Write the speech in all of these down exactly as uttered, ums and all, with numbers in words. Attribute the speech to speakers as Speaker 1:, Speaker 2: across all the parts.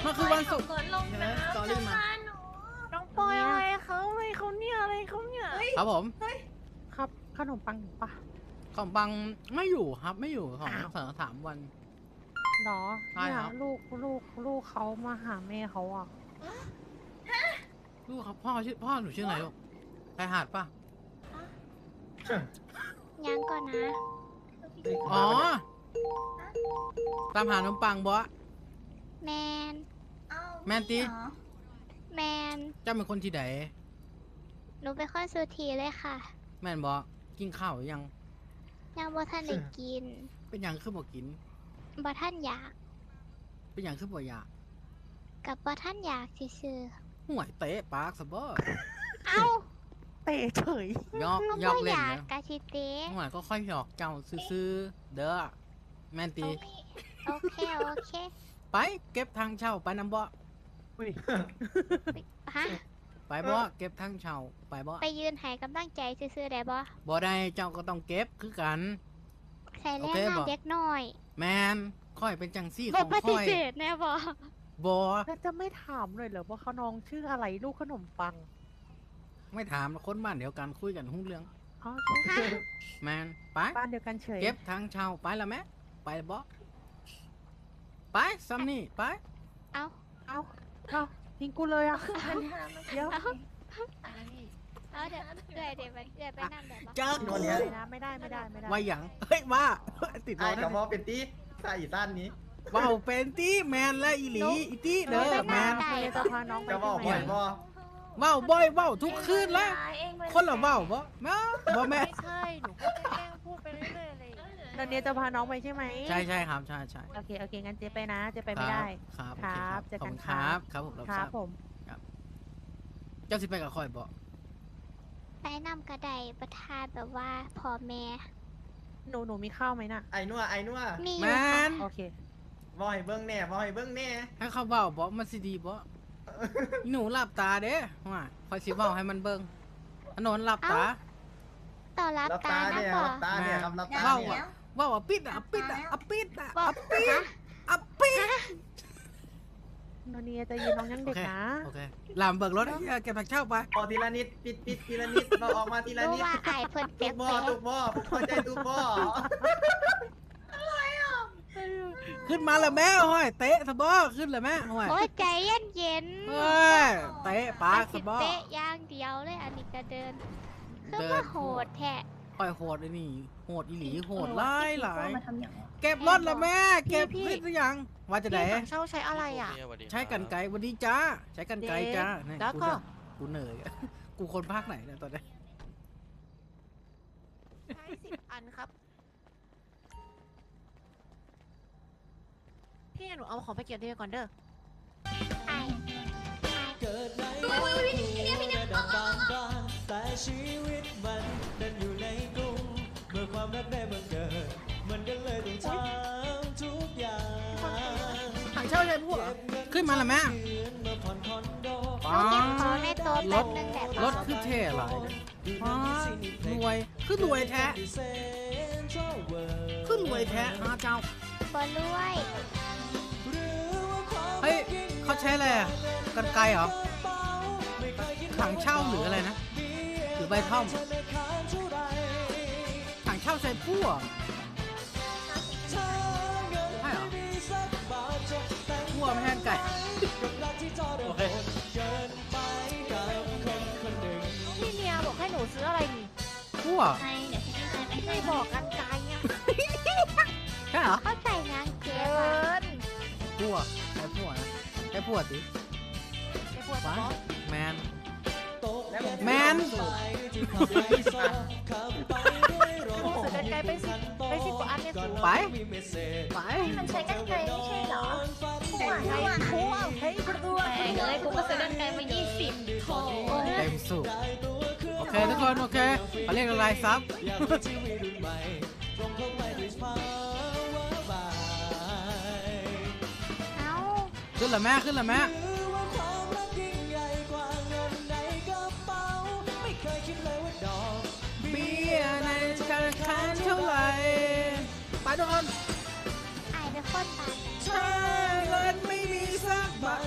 Speaker 1: มันคือวันศุกร์
Speaker 2: ก่อนลงน้ำ
Speaker 1: สตอรี่มา
Speaker 3: น้องปอยอะไรเขาอะไรเขาเนี่ยอะไรเขาเนี่ย
Speaker 1: ครับผม
Speaker 3: ครับขนมปังอยู่ปะ
Speaker 1: ของบังไม่อยู่ครับไม่อยู่ของ
Speaker 3: อ้าว
Speaker 1: สองสามวัน
Speaker 3: หรอ
Speaker 1: ใช่
Speaker 3: เนี่ย
Speaker 1: ครับ
Speaker 3: ลูกลูกลูกเขามาหาแม่เขาอ่ะ
Speaker 1: ลูกครับพ่อชื่อพ่อหนูชื่ออะไรลูกไทยหาดป่ะ
Speaker 4: ยังก่อนนะ
Speaker 1: อ๋อตามหาน้องปังบอส
Speaker 4: แมน
Speaker 1: แมนตี
Speaker 4: แมน
Speaker 1: เจ้าเป็นคนที่ไหน
Speaker 4: หนูเป็นคนสุธีเลยค่ะ
Speaker 1: แมนบอกินข้าวหรือยัง
Speaker 4: ยังบ่ท่านได้กิน
Speaker 1: เป็นหยังคือบอกกิน
Speaker 4: บ่ท่านอยาก
Speaker 1: เป็นหยังคือบ่อยาก
Speaker 4: กับบ่ท่านอยากซื่อ
Speaker 1: ห่วยเตะปากสะบอ
Speaker 4: ๆเอ้า
Speaker 3: เตะเฉย
Speaker 1: ยอก
Speaker 4: ก็
Speaker 1: ยอ
Speaker 4: บ่
Speaker 1: ก
Speaker 4: อ
Speaker 1: เล่น
Speaker 4: ยาก
Speaker 1: นะ
Speaker 4: กะสิเตะ
Speaker 1: ห่วยก็ค่อยหยอกเจ้าซื้อๆเด้อแมนตี
Speaker 4: โอเคโอเค
Speaker 1: ไปเก็บทางเช่าไปน้ำบอ
Speaker 3: อุ้ย
Speaker 4: ฮะ
Speaker 1: ไปบอเก็บทางเช่าไปบอ
Speaker 4: ไปยืนให้กำลังใจซื่อๆได้บ่
Speaker 1: บ่ได้เจ้าก็ต้องเก็บคือกัน
Speaker 4: ใส่แรง
Speaker 1: โอเค
Speaker 4: งาน
Speaker 1: บ่
Speaker 4: เด็กน้อย
Speaker 1: แมนค่อยเป็นจังซี่ข
Speaker 4: บ่
Speaker 1: อง
Speaker 4: ปฏิ
Speaker 1: ค่อย
Speaker 4: เสธแน่บ่
Speaker 1: บอ
Speaker 3: แล้วจะไม่ถามเลยเหรอว่าเขาน้องชื่ออะไรลูกขนมปัง
Speaker 1: ไม่ถามคนบ้านเดียวกันคุยกันหุ้งเรื่อง
Speaker 3: อ๋อ
Speaker 4: ฮะ
Speaker 1: แมนไป
Speaker 3: บ้านเดียวกันเฉย
Speaker 1: เก็บทางเช่าไปแล้วแม่ไปบอไปซัมนี่ไป
Speaker 4: เอ้า
Speaker 3: เอาเอาทิ้งกูเลยอ่ะเดี๋ยว
Speaker 4: เอ้าเอาเดี๋ยวเอื้อยเดี๋ยวไปเอื้อยไปนั่งได้บ่
Speaker 1: เจอ
Speaker 5: โน่
Speaker 1: กู
Speaker 5: นเนี่ย
Speaker 3: ไม่ได้ไม่ได้ไม่ได้ไม่ได้
Speaker 1: ว่าหยังเฮ้ยว่าติดร
Speaker 5: ไอ้
Speaker 1: ถ
Speaker 5: กับมอเป็นตีใส่สั้นนี้
Speaker 1: ว่าวเป็นตีแมนและอีหลีอีตีเด้อแมน
Speaker 3: เดี๋ยวจะพาน้องไป
Speaker 5: จะบอก
Speaker 3: ที่
Speaker 5: บ่
Speaker 3: ไห
Speaker 5: อน ยบ่
Speaker 1: ว่าวบ่อยว่าวทุกคืนแล้วคนละว่าวบ่แม่บ่แม่
Speaker 3: ไม่ใช่หนูก็แกล้งพูดไปเรื่อยๆเลยตอนนี้จะพาน้องไปใช่ไหม
Speaker 1: ใช่ใช่ครับใช่ใช่
Speaker 3: โอเคโอเคงั้นเจ๊ไปนะเจ๊ไปไม่ได้
Speaker 1: ครับ
Speaker 3: ครับ
Speaker 1: โอ
Speaker 3: เจอ
Speaker 1: ขอบ
Speaker 3: กัน
Speaker 1: คุณ
Speaker 3: ค
Speaker 1: ค
Speaker 3: รั
Speaker 1: รับ บครับผมรับ
Speaker 3: ค
Speaker 1: ท
Speaker 3: รั
Speaker 1: รา
Speaker 3: บบ ผม
Speaker 1: เจ้าสิไปกับคอยบ่
Speaker 4: ไปนำกระไดประทานแบบว่าพ่อแม่
Speaker 3: หนูหนูมีข้าวไหมน่ะ
Speaker 5: ไอ้นัวไอ้นัว
Speaker 4: มีอ
Speaker 1: แม
Speaker 4: ยู่ค่ะ
Speaker 1: น
Speaker 3: โอเค
Speaker 5: บ่อยเบิ้งแน่บ่อยเบิ้งแน่
Speaker 1: ให้เขาเว้าบ่มันสิดีบ่อีหนูหลับตาเด้ว่าคอยสิเว้าให้มันเบิ่งอนนท์หลับตา
Speaker 4: ต่อรับ
Speaker 5: รับ
Speaker 4: ตา
Speaker 5: ตา
Speaker 4: นะ
Speaker 5: เนี่ย
Speaker 4: บ่
Speaker 5: รับตาเนี่ยครับรับตา
Speaker 1: เว้า
Speaker 5: เนี่ย
Speaker 1: อ่ะเว้าอ่ะปิดอ่ะปิดอ่ะอ่ะปิดอ่ะ
Speaker 4: บ่
Speaker 1: อ่ะปิด
Speaker 4: ฮะ
Speaker 1: อ่ะปิด
Speaker 3: โนเนียจะยืนน้องยัง
Speaker 1: โอ
Speaker 3: เด็ก
Speaker 1: เค
Speaker 3: นะ
Speaker 1: โอเคลามเบิกรถให้เก็บผักเช่าไป
Speaker 5: พอทีละนิดปิดปิดทีละนิดเราออกมาทีละ
Speaker 4: รู้
Speaker 5: นิด
Speaker 4: ว่าไอ้เพิ่น
Speaker 5: ตุ
Speaker 4: เป๊ะ
Speaker 5: กบ่อตุกบ่อผมเข้าใจตุกบ่อ
Speaker 1: ขึ้นมาแล้วแม่ห้อยเตะสะบ่ขึ้นเลยแม่ห้อย
Speaker 4: โอ้ยใจเย็นเย็น
Speaker 1: เฮ้ยเตะปากสะบ่
Speaker 4: เตะอย่างเดียวเลยอันนี้ก็เดินคือ
Speaker 1: เดิน
Speaker 4: ว่าโหดแท้
Speaker 1: ค่อยโหดไอ้นี่โหดอีหลีโหดหลายหลาย
Speaker 2: มาทำอย่างนี้
Speaker 1: เก็บรถละแม่เก็บ
Speaker 3: พี่
Speaker 1: นิดหรือยังว่าจะไหน
Speaker 3: พี่ถังเช่าใช้อะไรอ่ะ
Speaker 1: ใช้กันไกลวันนี้จ้าใช้กันไกลจ้าเนี่ย
Speaker 3: แล้วก็
Speaker 1: กูเหนื่อยอะกูคนภาคไหนเนี่ยตอนนี้
Speaker 3: ใช้สิบอันครับ พี่หนูเอาของไปเก็บดีก่อนเด้อ
Speaker 4: ไอ้
Speaker 6: เกิดในครอบครัวระดับบางบ้านแต่ชีวิตมันดันอยู่ในกรุงเมื่อความรักได้บังเกิดมันก็เลยต้องทำทุกอย่าง
Speaker 1: ถังเช่าใช่พวกขึ้นมาละแม่
Speaker 6: เดือนมาผ่อนคอนโด
Speaker 4: หนูเก็บของในโต๊ะ
Speaker 1: ร
Speaker 4: แป๊
Speaker 1: ถ
Speaker 4: บนึงแต่
Speaker 1: รถคือเท่หลายเลยอ๋อรวยคือรวยแท้คือรวยแท้ฮะเจ้า
Speaker 4: บ่รวย
Speaker 1: เฮ้ยเขาใช้อะไรอะกันไกลเหรอถังเช่าหรืออะไรนะหรือใบท่อมถังเช่าใช้พั่วใช่เหรอพั่วไม่แห้งไก่โอเค
Speaker 3: พี่เนียบอกให้หนูซื้ออะไรนี่
Speaker 1: พั่ว
Speaker 2: ใช่เดี๋ยวฉันจะไปให้
Speaker 3: ไม่บอกกันไกลอ่ะ
Speaker 1: ใช่เหรอ
Speaker 4: เข้าใจงานเก็
Speaker 3: เกิ
Speaker 4: บอะ
Speaker 3: น
Speaker 1: พั่วใช้พั่วนะใช้พั่วสิ
Speaker 3: ไอ้พวก
Speaker 1: ว้า
Speaker 3: บอส
Speaker 1: แมน
Speaker 5: แล้วผม
Speaker 1: แมน
Speaker 3: ซื้อกันไกลไปสิบไปสิบกว่าอันเนี่ยสูง
Speaker 1: ไปไป
Speaker 2: มันใช้กันไกลไม่ใช่เหรอหัว
Speaker 3: ไกล
Speaker 2: หัว
Speaker 3: ทั่วเฮ้ยประตู
Speaker 2: แพงเลยกูก็ซื้อกันไกลมายี่สิบโถ
Speaker 1: เต็มสูบโอเคทุกคนโอเคเขาเรียกอะไรซับ
Speaker 4: เอ้า
Speaker 1: ขึ้นละแม่ขึ้นละแม่เบี้ยในธนาคารเท่าไหร่ไปทุกคน
Speaker 4: ไอ้เป็นคนตาย
Speaker 1: ถ้าเงินไม่มีสักบาท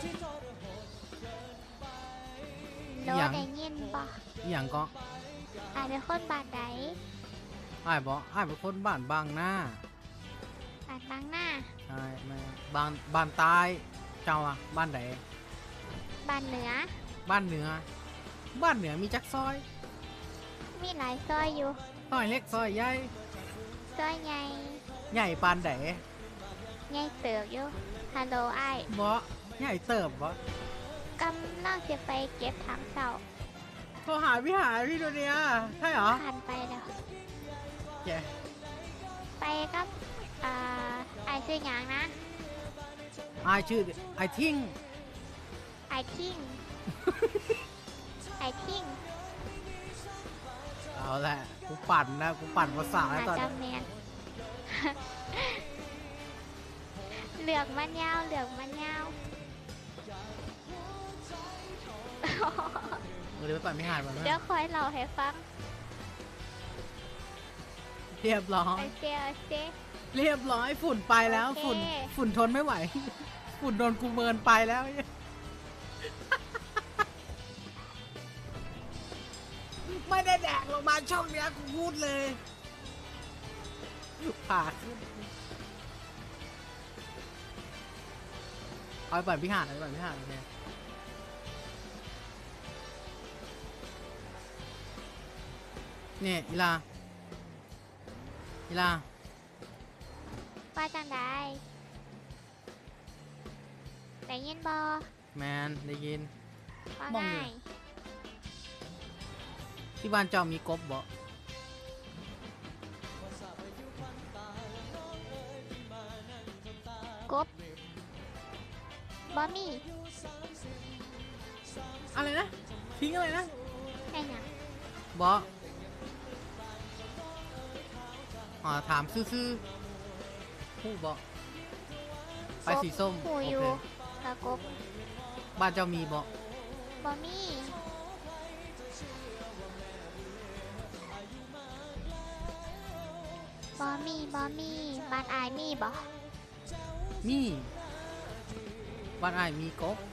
Speaker 4: โดนได้ยินบ่
Speaker 1: อหย่างก็
Speaker 4: อายเป็นคนบ้านใด
Speaker 1: อ้ายบอกอ้ายเป็นคนบ้านบางหน้า
Speaker 4: บ้านบางหน้า
Speaker 1: ใช่แม่บ้านบ้านใต้เจ้าอะบ้านไหน
Speaker 4: บ้านเหนือ
Speaker 1: บ้านเหนือ บ้านเหนือมีจักซอย
Speaker 4: มีหลายซอยอยู่
Speaker 1: ซอยเล็กซอยใหญ่
Speaker 4: ซอยใหญ่
Speaker 1: ใหญ่ปานไหน
Speaker 4: ใหญ่เติบอยู่ฮัลโหลไอ้าย
Speaker 1: บ่ใหญ่เติบบ่
Speaker 4: กำลังจะไปเก็บถังเสา
Speaker 1: โทรหาพี่หาพี่โดเนียใช่เหรอ
Speaker 4: ผ่านไปแล้ว
Speaker 1: แก
Speaker 4: ไปกับอ่าไอ้ายชื่อหยังนะ
Speaker 1: อายชื่อไอทิ้ง
Speaker 4: ไอ้ทิ้ง ไอ้ทิ้ง
Speaker 1: เอาแหละกูปั่นนะกูปั่นภาษาแล้ว
Speaker 4: อา
Speaker 1: ตอน
Speaker 4: จา
Speaker 1: นี้
Speaker 4: แมน เหลือกมันยาวเหลือกมันยาว
Speaker 1: เดี๋ยวไปปั่นพี่หาดมา
Speaker 4: เดี๋ยวคอยเล่าให้ฟัง
Speaker 1: เรียบร้อย
Speaker 4: โอเคโอเค
Speaker 1: เรียบร้อยฝุ่นไปแล้ว
Speaker 4: โอเค
Speaker 1: ฝุ่นฝุ่นทนไม่ไหว ฝุ่นโดนกูเมินไปแล้ว ไม่ได้แดกลงมาช่องเนี้ยกูพูดเลยผ่าขึ้นเอาไปปั่นพี่หาดเอาไปปั่นพี่หาดโอเคเนี่ยอีลาอีลา
Speaker 4: ว่าจังได้ได้ยินบอ
Speaker 1: แมนได้ยิน
Speaker 4: ว่า
Speaker 1: มอง
Speaker 4: ไง
Speaker 1: อยู่ ที่บ้านเจ้ามีกบบ่
Speaker 4: กบ บอมี่
Speaker 1: อะไรนะ ทิ้งอะไรนะ
Speaker 4: แค่หยัง
Speaker 1: บออ่าถามซื่อๆผู้บอไปสีส้ม
Speaker 4: หู
Speaker 1: โอ
Speaker 4: อยู่
Speaker 1: เค
Speaker 4: กับกบ
Speaker 1: บ้านเจ้ามีบอบ
Speaker 4: อมี่บอมี่บอมี่บ้านอายมีบอ
Speaker 1: มีบ้านอ้ายมีกบ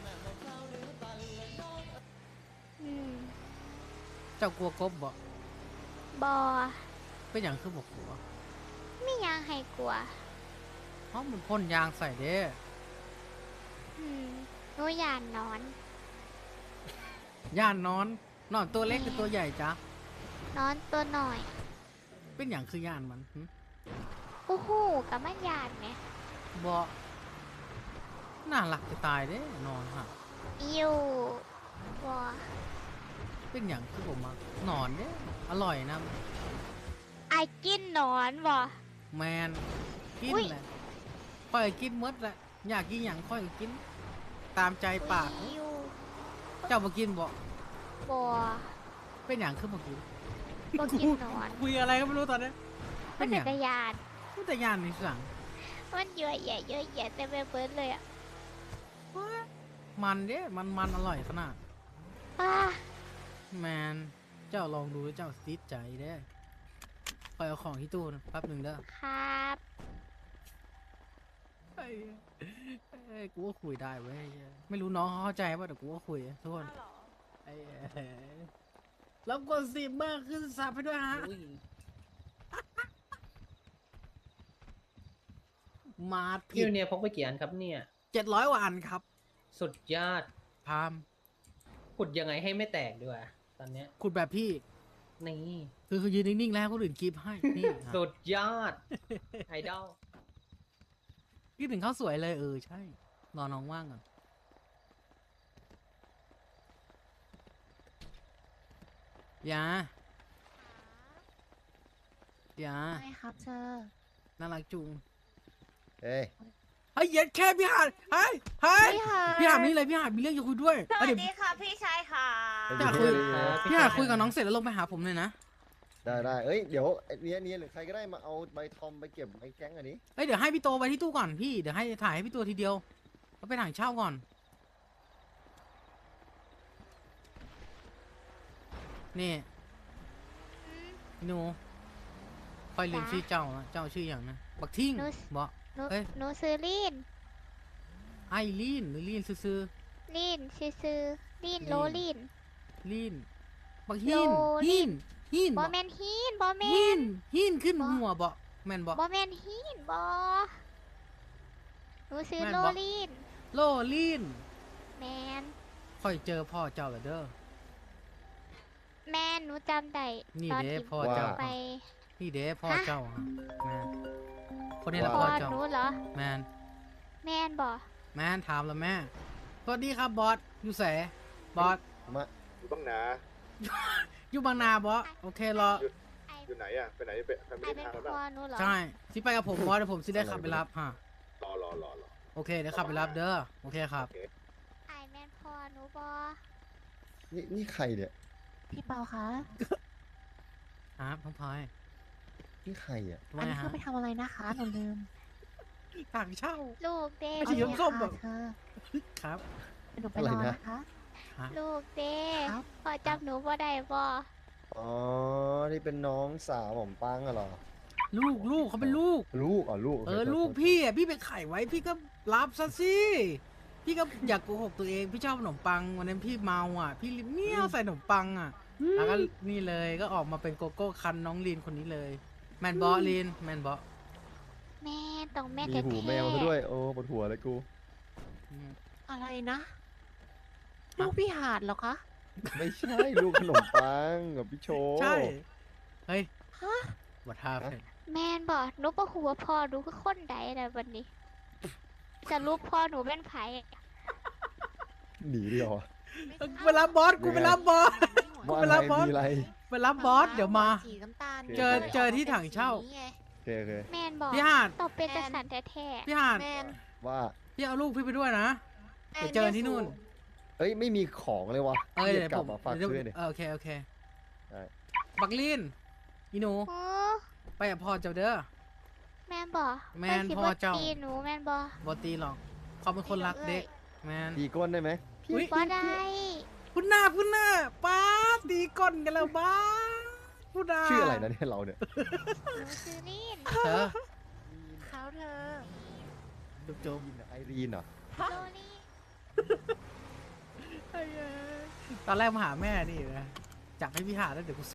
Speaker 4: อืม
Speaker 1: เจ้ากลัวกบบ่
Speaker 4: บอ
Speaker 1: เป็นอย่างคือบอกกลัว
Speaker 4: ไม่ยังให้กลัว
Speaker 1: เพราะมันพ่นยางใส่เด้
Speaker 4: อืมหนูยานนอน
Speaker 1: ย่านนอน นอนตัวเล็กหรือตัวใหญ่จ๊ะ
Speaker 4: นอนตัวหน่อย
Speaker 1: เป็นอย่างคือย่านมันหึ
Speaker 4: อู้หูกับมันยานไหม
Speaker 1: บอน่ารักจะตายเด้นอนฮะ
Speaker 4: อยู่บอ
Speaker 1: เป็นอย่างคือผมมานอนเด้อร่อยนะ
Speaker 4: ไอายกินหนอนบอ
Speaker 1: แมนกิน
Speaker 4: อุ๊ย
Speaker 1: แหละค่อยกินหมดแหละอยากกินอย่างค่อยกิน ตามใจปาก
Speaker 4: อยู่
Speaker 1: เจ้ามากินบ่
Speaker 4: บอ
Speaker 1: เป็นอย่างคือมากิน
Speaker 4: บอกินหนอน
Speaker 1: คุยอะไรก็ไม่รู้ตอนนี้
Speaker 4: มั
Speaker 1: เป็น นอ
Speaker 4: จั
Speaker 1: ย่าง
Speaker 4: กรยาน
Speaker 1: พูดแต่ยานในสั่ง
Speaker 4: มันเยอะแยะเยอะแยะเต็มไปหมดเลยอ่ะ
Speaker 1: มันเด้มันมันอร่อยขนาด
Speaker 4: อ้า
Speaker 1: แมนเจ้าลองดูแล้วเจ้าติดใจเด้ไปเอาของที่ตู้นะแป๊บหนึ่งเด้อ
Speaker 4: ครับ
Speaker 1: ไอ้ไอ้กูก็คุยได้เว้ยไม่รู้น้องเขาเข้าใจป่ะแต่กูก็คุยทุกคนไอ้แล้วกดสิบมากขึ้นซับให้ด้วยฮะมาผิ
Speaker 5: พี่
Speaker 1: ด
Speaker 5: เนี่ยพกไปกี่อันครับเนี่ย
Speaker 1: เจ็ดร้อยวันครับ
Speaker 5: สุดยอด
Speaker 1: พาม
Speaker 5: ขุดยังไงให้ไม่แตกด้วยตอนเนี้ย
Speaker 1: ขุดแบบพี่
Speaker 5: นี่
Speaker 1: คือคือยืนนิ่งๆแล้วคนอื่นกรีบให้นี่ครับ
Speaker 5: สุดยอด ไอดอล
Speaker 1: คิดถึงข้าวสวยเลยเออใช่รอน้องว่างก่อนยายา
Speaker 3: ใช่ครับเธอ
Speaker 1: น่ารักจุง
Speaker 7: เอ้ย
Speaker 1: เฮ้ยเย็ดแค่พี่หาดเฮ้ยเฮ้ย
Speaker 3: พี่หาด
Speaker 1: พี่หาดนี่เลยพี่หาดมีเรื่องจะคุยด้วย
Speaker 2: ส
Speaker 1: เอา
Speaker 2: วัส
Speaker 1: เดี๋ยว
Speaker 2: ดีค่ะพี่ชายค่ะ
Speaker 1: พี่หาดคุยพี่หาดคุยกับน้องเสร็จแล้วลงไปหาผมเลยนะ
Speaker 7: ได้ได้เอ้ย เดี๋ยวไอ้เนี้ยเนี้ยหรือใครก็ได้มาเอาใบทอมไปเก็บไอ้แก๊งอันนี้
Speaker 1: เฮ้ยเดี๋ยวให้พี่โตไปที่ตู้ก่อนพี่เดี๋ยวให้ถ่ายให้พี่ตัวทีเดียวแล้วไปถ่ายเช่าก่อนนี่หนูคอยลืมชื่อเจ้านะเจ้าชื่ออย่างนะบักทิ้ง
Speaker 4: หนู
Speaker 1: บอก
Speaker 4: หนู
Speaker 1: เอ้ย
Speaker 4: หนูซื้อลีน
Speaker 1: ไอลีนหรือลีนซื้อ
Speaker 4: ลีนซื่อๆลีนโลลีน
Speaker 1: ๆลีนบักหิน
Speaker 4: โลลี
Speaker 1: หิน
Speaker 4: น
Speaker 1: หิน
Speaker 4: บอแมนฮีนบอแม
Speaker 1: หิ
Speaker 4: น
Speaker 1: นหินขึ้น
Speaker 4: บ่
Speaker 1: หัวบ่แม่นบ่
Speaker 4: บอแมนฮีนบอหนูซื้อ
Speaker 1: แม่น
Speaker 4: โล
Speaker 1: บ่
Speaker 4: ลีน
Speaker 1: โลลีน
Speaker 4: แมน
Speaker 1: ค่อยเจอพ่อเจ้าแล้วเด้อ
Speaker 4: แมนหนูจำได้
Speaker 1: นี่
Speaker 4: ตอน
Speaker 1: เด้
Speaker 4: ที่
Speaker 1: พ่อ
Speaker 4: หนู
Speaker 1: เจ้า
Speaker 4: ไป
Speaker 1: นี่เด้พ่อ
Speaker 4: ฮะ
Speaker 1: เจ้าอะแม่นคนนี้แหละ
Speaker 4: พ่
Speaker 1: พ่
Speaker 4: อ
Speaker 1: อเจ้า
Speaker 4: หนูเหรอ
Speaker 1: แมน
Speaker 4: แมนบอ
Speaker 1: แมนถามแล้วแม่สวัสดีครับบอสอยู่แสบอส
Speaker 7: มา
Speaker 8: อยู่บ้างนา
Speaker 1: อยู่บางนาบอสโอเครอ
Speaker 4: ไอ
Speaker 8: อยู่ไหนอ่ะ ไปไหนไปไป
Speaker 4: ไอ
Speaker 8: ไม่
Speaker 4: เป็
Speaker 8: ได้
Speaker 4: น
Speaker 8: ทางแล้ว
Speaker 4: พ่อ
Speaker 8: นะ
Speaker 4: หนูเหรอ
Speaker 1: ใช่สิไปกับผมบอสเดี๋ยวผมสิได้ขับไปรับฮะ
Speaker 8: รอรอรอรอ
Speaker 1: โอเคเดี๋ยวขับไปรับเด้อโอเคครับ
Speaker 8: โอเค
Speaker 4: ไอแมนพ่อหนูบอ
Speaker 7: นี่นี่ใครเนี่ย
Speaker 3: พี่เปาคะ
Speaker 1: ครับน้องพลอย
Speaker 7: นี่ใครอ่ะ
Speaker 1: ทำไม
Speaker 3: อันนี้
Speaker 1: ฮะ
Speaker 3: คือไปทำอะไรนะคะหนูลืม
Speaker 1: ต่างเช่า
Speaker 4: ลูกเด้
Speaker 1: ไม่ใช่ยกส้มแบบ
Speaker 3: เธอ
Speaker 1: ครับ
Speaker 3: เดี๋ยวหนูไปรอนะคะ
Speaker 1: ฮะ
Speaker 4: ลูกเด้
Speaker 3: ครับ
Speaker 4: พ่อจำหนูบ่ได้บอ
Speaker 7: อ๋อนี่เป็นน้องสาวผมปังอะเหรอ
Speaker 1: ลูกลูกเขาเป็นลูก
Speaker 7: ลูกอ๋อลูกโค
Speaker 1: เออ
Speaker 7: โทษ
Speaker 1: ลูก
Speaker 7: โทษ
Speaker 1: พี่อ่ะพี่ไปไขไว้พี่ก็รับซะสิพี่ก็อยากโกหกตัวเองพี่ชอบขนมปังวันนั้นพี่เมาอ่ะ พี่เมี่ยวใส่ขนมปังอ่ะแล้วก็นี่เลยก็ออกมาเป็นโกโก้คันน้องลีนคนนี้เลย แมนบอลีนแมนบอ
Speaker 4: แม่ต้องแม่
Speaker 7: มี
Speaker 4: แท้
Speaker 7: หูแมวซะด้วย โอ้ปวดหัวเลยกู
Speaker 3: อะไรนะ ลูกพี่หาดเหรอคะ
Speaker 7: ไม่ใช่ลูกขนมปังกับพี่โชว์
Speaker 1: ใช่เฮ้ย
Speaker 3: ฮะ
Speaker 1: วัดท่าเพื่อน
Speaker 4: แม่นบอหนูบ่หัวาพ่อหนูคือคนใดนะวันนี้จะรู้พ่อหนูเป็นไผ
Speaker 7: หนีดีกว่า
Speaker 1: เวลาบอสกูไปรับบอส
Speaker 7: ว่า
Speaker 1: เว
Speaker 7: อะไร
Speaker 1: ลาบอส
Speaker 7: มีอะไร
Speaker 1: ไปรับบอสเดี๋ยวมา
Speaker 3: สีน้ำตาล
Speaker 1: เจอเจอที่ถังเช่า
Speaker 3: สีไง
Speaker 7: โอเคโอเค
Speaker 4: แม่นบอ
Speaker 1: พี่หาด
Speaker 4: ต้องเป็นกษัตริย์แท้
Speaker 1: พี่หาด
Speaker 3: แมน
Speaker 7: ว่า
Speaker 1: พี่เอาลูกพี่ไปด้วยนะเดี๋ยวเจอที่นู่น
Speaker 7: เอ้ยไม่มีของเลยวะ
Speaker 1: เออ
Speaker 7: รี
Speaker 1: เดี๋ยว
Speaker 7: กลั
Speaker 1: ผ
Speaker 7: บ
Speaker 1: ม
Speaker 7: มาฝาก
Speaker 1: เดี๋ยว
Speaker 7: ช่วยดิ
Speaker 1: เออโอเคโอเค
Speaker 7: ได้
Speaker 1: บักลีนอีหนู
Speaker 4: ๆโอ้
Speaker 1: ไปกับพ่อเจ้าเด้อ
Speaker 4: แม่นบอ
Speaker 1: แม่น
Speaker 4: พิ่สิ
Speaker 1: พ่อเจ้า
Speaker 4: บ่ตีหนูแม่นบอบ
Speaker 1: อตีหรอกเขาเป็นคนรักเด็กแมน
Speaker 7: ตีก้นได้ไหม
Speaker 1: อุ๊ย
Speaker 4: บ่ได้
Speaker 1: พุ่นหน้าพุ่นหน้าป้าดตีก้นกันแล้วบ้าพุ่นหน้า
Speaker 7: ชื่ออะไรนะเนี่ยเราเนี่ย
Speaker 4: หนูซื้อลีน
Speaker 1: เธอ
Speaker 3: เขาเธอ
Speaker 1: จุ๊บจุ๊บ
Speaker 7: ไอรีนเหรอ
Speaker 4: โลลีน
Speaker 1: ตอนแรกมาหาแม่นี่นะจับให้พี่หาแล้วเดี๋ยวกู